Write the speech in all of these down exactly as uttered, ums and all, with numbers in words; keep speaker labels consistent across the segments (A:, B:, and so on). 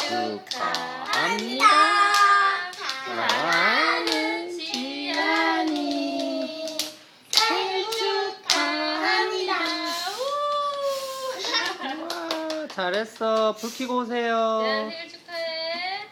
A: 축하합니다. 사랑하는 지안이 생일 축하합니다. 우와, 잘했어. 불 켜고 오세요.
B: 지안 생일 축하해.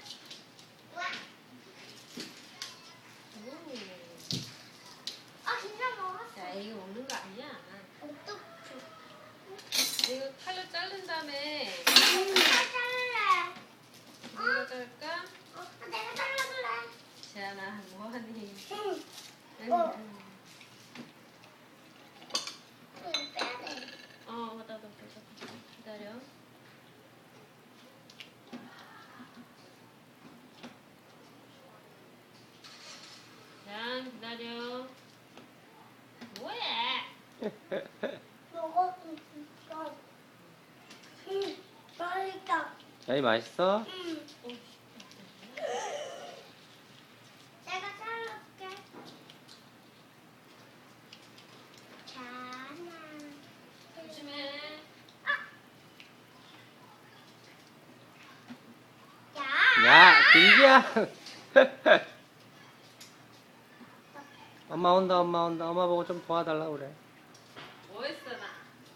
C: 아 진짜 먹었어.
B: 야, 이거 먹는 거 아니야.
C: 어떡해.
B: 이거 칼로 자른 다음에
C: 내가 잘래.
B: 누가 자를까?
C: 어, 내가 잘라줄래.
B: 지안아, 뭐하니?
C: 응.
B: 응.
C: 어. 응, 빼야 돼.
B: 어, 맞다, 맞다, 맞다. 기다려. 지안, 기다려. 뭐해?
C: 먹었으니까. 응, 맛있다.
A: 야이 맛있어?
C: 응. 내가 잘라줄게. 자나.
B: 조심해.
C: 야.
A: 야, 김지야. 엄마 온다, 엄마 온다. 엄마 보고 좀 도와달라 그래.
B: 뭐 했어, 나?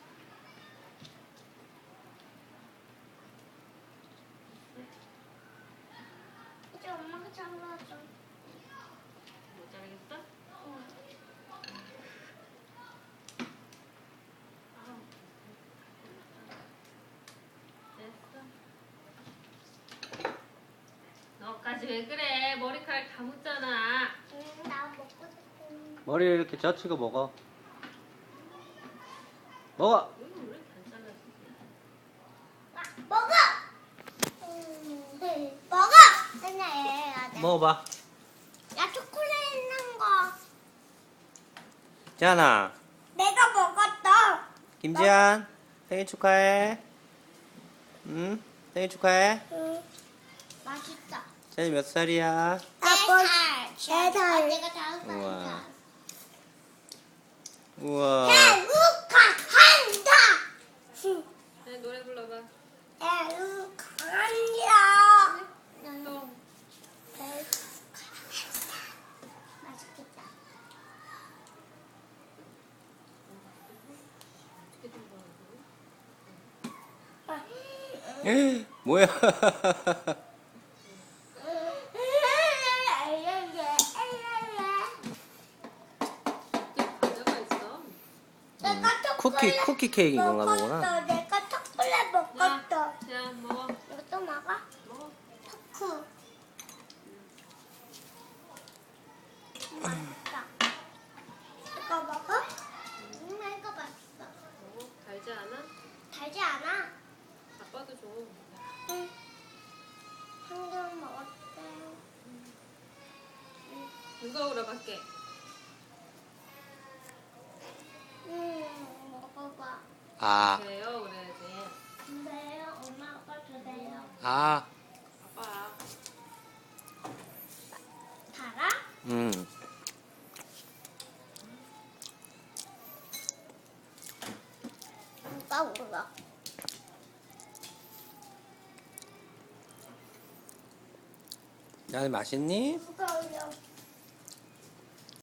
C: 이제 엄마가 잘라줘.
B: 못 자르겠어?
C: 응.
B: 아우. 됐어. 너까지 왜 그래? 머리카락 다 묻잖아.
C: 응, 나 먹고 싶은.
A: 머리를 이렇게 젖히고 먹어. 먹어.
B: 이거 왜 이렇게 안 잘랐어?
C: 아, 먹어. 음, 네. 먹어. 그냥 얘가 돼.
A: 먹어봐.
C: 야 초콜릿 있는 거.
A: 지안아,
C: 내가 먹었어.
A: 김지안 생일 축하해. 응? 생일 축하해.
C: 응. 맛있다.
A: 지안이 몇 살이야?
C: 네 살. 네 살. 아, 내가 다섯
A: 우와.
C: 살이다.
A: 우와.
C: 축하한다.
B: 네, 노래 불러봐.
C: 축하한다.
B: 또.
C: 맛있겠다.
B: 어떻게 된 거야,
A: 뭐야?
B: 이거? 과자가 있어.
C: 내가
A: 쿠키,
C: 초콜릿
A: 쿠키 케이크인 건가
C: 먹었어.
A: 보구나.
C: 내가 초콜릿 먹었어.
B: 자, 자, 먹어.
C: 이것도 먹어?
B: 먹어.
C: 초코. 맛있다. 이거 먹어? 음, 이거 맛있어.
B: 먹어. 달지 않아?
C: 달지 않아?
B: 아빠도 줘.
C: 응. 한 개 먹었대.
B: 누가 오라 밖에?
C: 음, 먹어봐.
A: 아,
B: 그래요, 그래야지.
C: 근데요, 엄마 아빠 주세요.
A: 아,
B: 아빠.
C: 달아?
A: 음.
C: 누가 울어?
A: 지안이 맛있니?
C: 누가 울어?